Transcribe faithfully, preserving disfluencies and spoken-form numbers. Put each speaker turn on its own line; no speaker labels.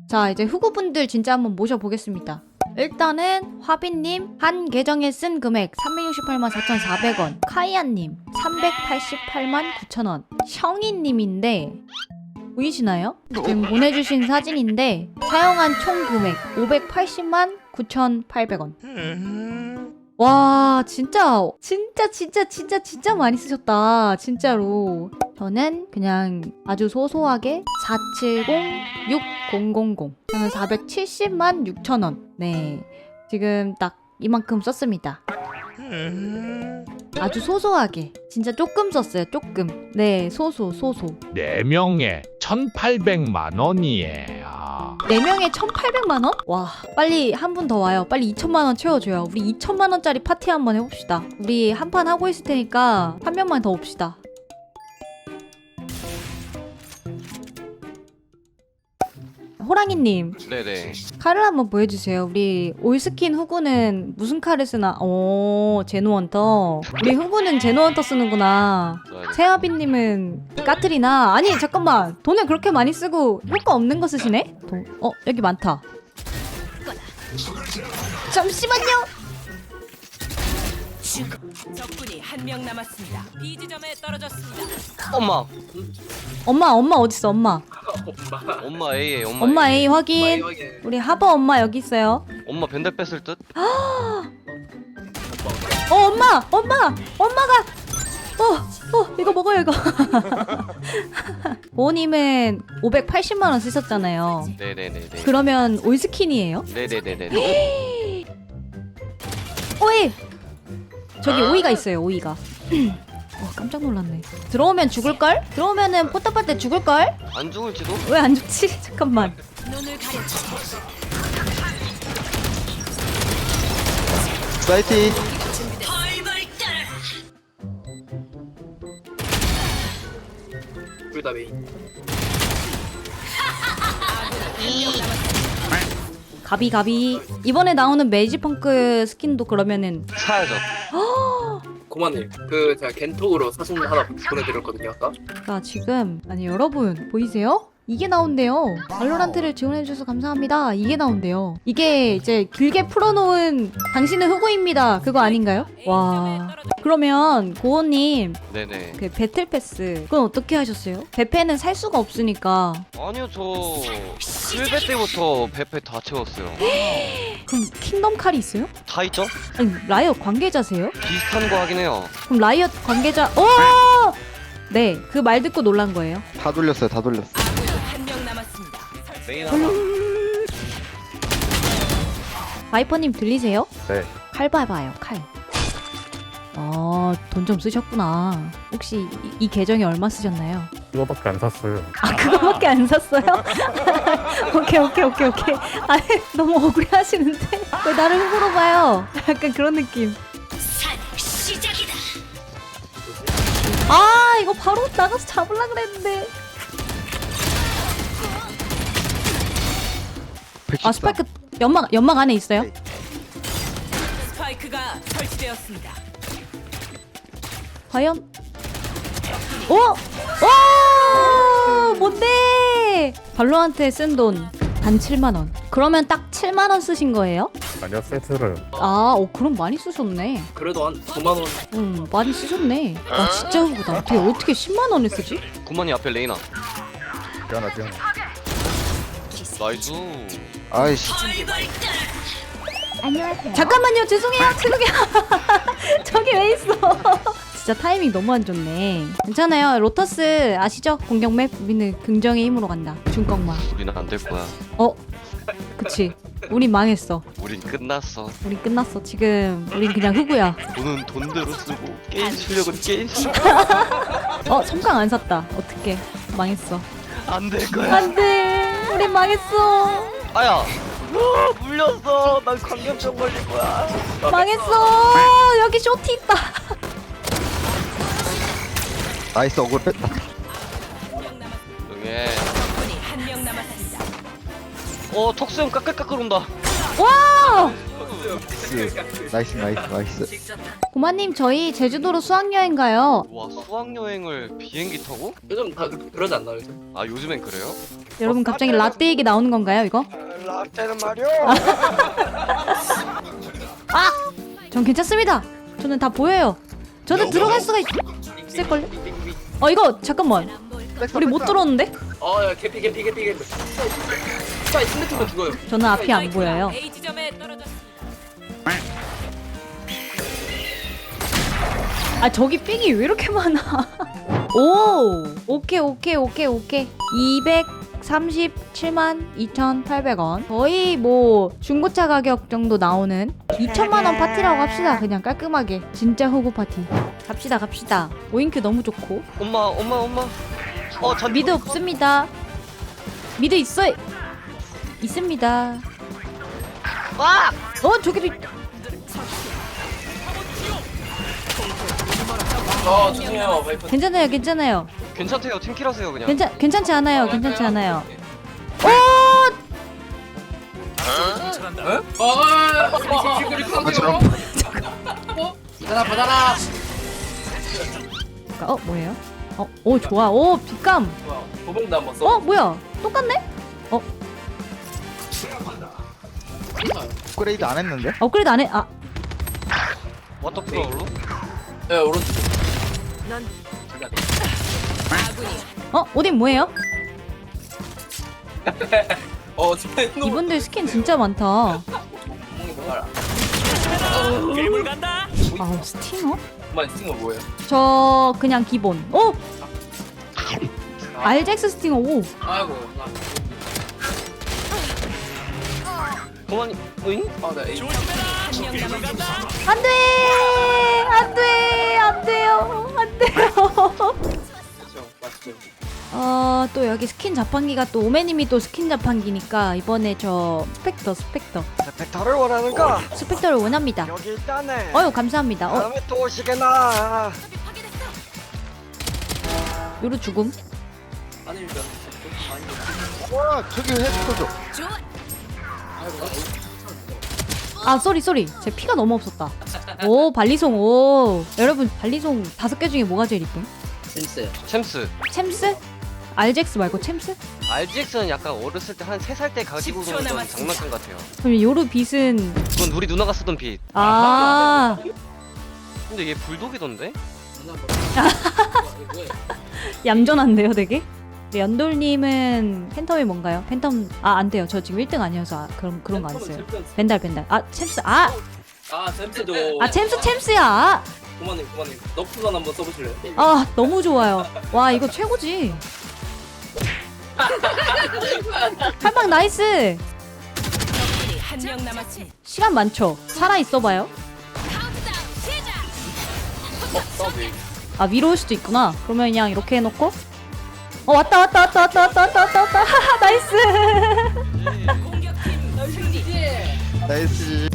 자, 이제 후구분들 진짜 한번 모셔보겠습니다. 일단은 화빈님 한 계정에 쓴 금액 삼백육십팔만 사천사백 원, 카이아님 삼백팔십팔만 구천 원, 형이님인데 보이시나요? 지금 보내주신 사진인데 사용한 총 금액 오백팔십만 구천팔백 원. 와, 진짜 진짜 진짜 진짜 진짜 많이 쓰셨다. 진짜로. 저는 그냥 아주 소소하게 사칠공육공공공, 저는 사백칠십만 육천 원. 네, 지금 딱 이만큼 썼습니다. 아주 소소하게, 진짜 조금 썼어요. 조금. 네, 소소 소소.
네 명에 천팔백만 원이에요.
네 명에 천팔백만 원? 와, 빨리 한 분 더 와요. 빨리 이천만 원 채워줘요. 우리 이천만 원짜리 파티 한번 해봅시다. 우리 한 판 하고 있을 테니까 한 명만 더 옵시다. 호랑이님,
네네.
칼을 한번 보여주세요. 우리 올스킨 후구는 무슨 칼을 쓰나? 오, 제노헌터. 우리 후구는 제노헌터 쓰는구나. 세아비님은 까트리나. 아니, 잠깐만. 돈을 그렇게 많이 쓰고 효과 없는 거 쓰시네? 돈. 어, 여기 많다. 잠시만요.
적군이 한 명 남았습니다. B 지점에 떨어졌습니다.
엄마.
엄마, 엄마 어딨어, 엄마.
엄마 A에 엄마.
엄마
A.
A 확인. 우리 하버 엄마 여기 있어요.
엄마 벤달 뺐을 듯?
어, 엄마! 엄마! 엄마가! 어, 어, 이거 먹어요, 이거. 보호님은 오백팔십만 원 쓰셨잖아요.
네네네네.
그러면 올스킨이에요?
네네네네.
오이! 저기 오이가 있어요, 오이가. 와, 깜짝 놀랐네. 들어오면 죽을걸? 들어오면은 포탑할 때 죽을걸?
안 죽을지도?
왜 안 죽지? 잠깐만.
눈을 가려줘.
사이티.
둘 다 메인.
가비 가비. 이번에 나오는 메이지펑크 스킨도 그러면은
사야죠.
고마님, 그 제가 겐톡으로 사진 하나 보내드렸거든요 아까.
자, 지금 아니 여러분 보이세요? 이게 나온대요. 발로란트를 지원해주셔서 감사합니다. 이게 나온대요. 이게 이제 길게 풀어놓은 당신은 흑우입니다. 그거 아닌가요? 와. 그러면 고호님
네네.
그 배틀 패스 그건 어떻게 하셨어요? 배패는 살 수가 없으니까.
아니요 저 칠 배 때부터 배패 다 채웠어요.
그럼 킹덤 칼이 있어요?
다 있죠?
아니 라이엇 관계자세요?
비슷한 거 하긴 해요.
그럼 라이엇 관계자. 오! 네, 그 말 듣고 놀란 거예요.
다 돌렸어요, 다 돌렸어.
한 명 남았습니다.
메인 하나.
바이퍼님 들리세요?
네.
칼 봐봐요, 칼. 아, 돈 좀 쓰셨구나. 혹시 이, 이 계정에 얼마 쓰셨나요?
그거밖에 안 샀어요.
아, 그거밖에 안 샀어요? 오케이, 오케이, 오케이, 오케이. 아, 너무 억울해 하시는데? 왜 나를 흑으로 봐요? 약간 그런 느낌.
시작이다.
아, 이거 바로 나가서 잡으려고 그랬는데. 아, 스파이크 연막, 연막 안에 있어요?
스파이크가 설치되었습니다.
과연? 오! 오! 뭔데? 발로한테 쓴 돈 단 칠만 원. 그러면 딱 칠만 원 쓰신 거예요?
아니요, 세트를.
아, 어, 그럼 많이 쓰셨네.
그래도 한 구만 원.
응, 많이 쓰셨네. 와, 진짜 후보다. 어떻게, 어떻게 십만 원을 쓰지?
구만이 앞에 레이나.
미안하, 미안하.
나이스.
아이씨.
잠깐만요, 죄송해요, 죄송해요. 저기 왜 있어? 진짜 타이밍 너무 안 좋네. 괜찮아요. 로터스 아시죠? 공격 맵. 우리는 긍정의 힘으로 간다. 중꺾마.
우리는 안 될 거야.
어? 그치. 우린 망했어.
우린 끝났어.
우린 끝났어. 지금 우린 그냥 흑우야.
돈은 돈대로 쓰고 게임 실력은 게임 실력.
어, 삼강 안 샀다. 어떡해. 망했어.
안 될 거야.
안돼. 우린 망했어.
아야. 아, 물렸어. 난 광견병 걸릴 거야.
망했어. 여기 쇼티 있다.
나이스, 억울 뺐다.
응애.
적군이 한 명 남았습니다.
어 턱수염 까끌까끌 온다.
와!
나이스, 나이스, 나이스.
고마님, 저희 제주도로 수학여행 가요.
와 수학여행을 비행기 타고?
요즘 다 그- 그러지 않나요? 요즘?
아 요즘엔 그래요?
여러분 갑자기 라떼 얘기 나오는 건가요 이거?
라떼는 말이야.
아! 전 괜찮습니다. 저는 다 보여요. 저는 들어갈 수가 있... 있을걸요? 어 이거 잠깐만. 우리 못 들어오는데?
어야 개피 개피 개피 개피. 자 스매트면 죽어요.
저는 앞이 안 보여요.
A 지점에 떨어졌습니다.
아 저기 삥이 왜 이렇게 많아? 오! 오케이 오케이 오케이 오케이. 이백삼십칠만 이천팔백 원. 거의 뭐 중고차 가격 정도 나오는 이천만 원 파티라고 합시다. 그냥 깔끔하게. 진짜 호구 파티. 갑시다 갑시다. 오인큐 너무 좋고.
엄마 엄마 엄마. 어 전
미드 없습니다. 미드 있어. 있습니다.
와!
어 저기도 있...
아 죄송해요 와이프.
괜찮아요 괜찮아요.
괜찮대요. 팀킬하세요 그냥.
괜찮 괜찮지 않아요 괜찮지 않아요. 오!
아
저처럼.
받아라 받아라.
어 뭐예요? 어, 오 좋아. 오 빛감.
좋아. 도봉도 한번 써.
어 뭐야? 똑같네?
업그레이드 안 했는데?
업그레이드 안 해. 아
워터 플로우로?
네 오른쪽.
넌
제가 돼.
아군이
어? 오딘 뭐예요?
어 스매트 노.
이분들 스킨 진짜 많다.
구멍이 뭐야?
아우 스팅어?
정말 스팅어 뭐예요?
저 그냥 기본. 오! 알젝스 스팅어 오.
아이고.
그만. 응?
아나 A.
한명 남았습니다.
안돼! 안돼! 안 돼요. 안 돼요.
그렇죠 맞죠.
어, 또 여기 스킨 자판기가 또 오메님이 또 스킨 자판기니까 이번에 저 스펙터 스펙터
벡터를 원하는가?
스펙터를 원합니다.
여기 있다네.
어유 감사합니다. 어,
다음에 또 오시게나.
요로 죽음.
아니 일단 아니.
와 저기 헤드코죠.
아 쏘리 쏘리. 제 피가 너무 없었다. 오 발리송 오. 여러분 발리송 다섯 개 중에 뭐가 제일 이쁨?
재밌어요.
챔스.
챔스? 알젝스 말고 챔스?
알지엑스는 약간 어렸을 때 한 세 살 때 가지고
십 초
놀던
남았습니다.
장난감 같아요.
그럼 요로 빛은
그건 우리 누나가 쓰던 빛.
아
근데 얘 불독이던데?
얌전한데요 되게? 네, 연돌님은 팬텀이 뭔가요? 팬텀 아 안 돼요. 저 지금 일 등 아니어서 아, 그럼 그런 거 안 써요. 벤달 벤달. 아 챔스 아!
아 잼스도.
아 챔스 챔스야!
고마님 고마님. 너프선 한번 써보실래요?
아 너무 좋아요. 와 이거 최고지. 한방 나이스.
적군이 한명 남았습니다.
시간 많죠? 살아 있어봐요.
어 서브.
아 위로 올 수도 있구나. 그러면 그냥 이렇게 해놓고 어 왔다 왔다 왔다 왔다 왔다 왔다 왔다 왔다 하하 나이스.
공격팀 승리.
나이스.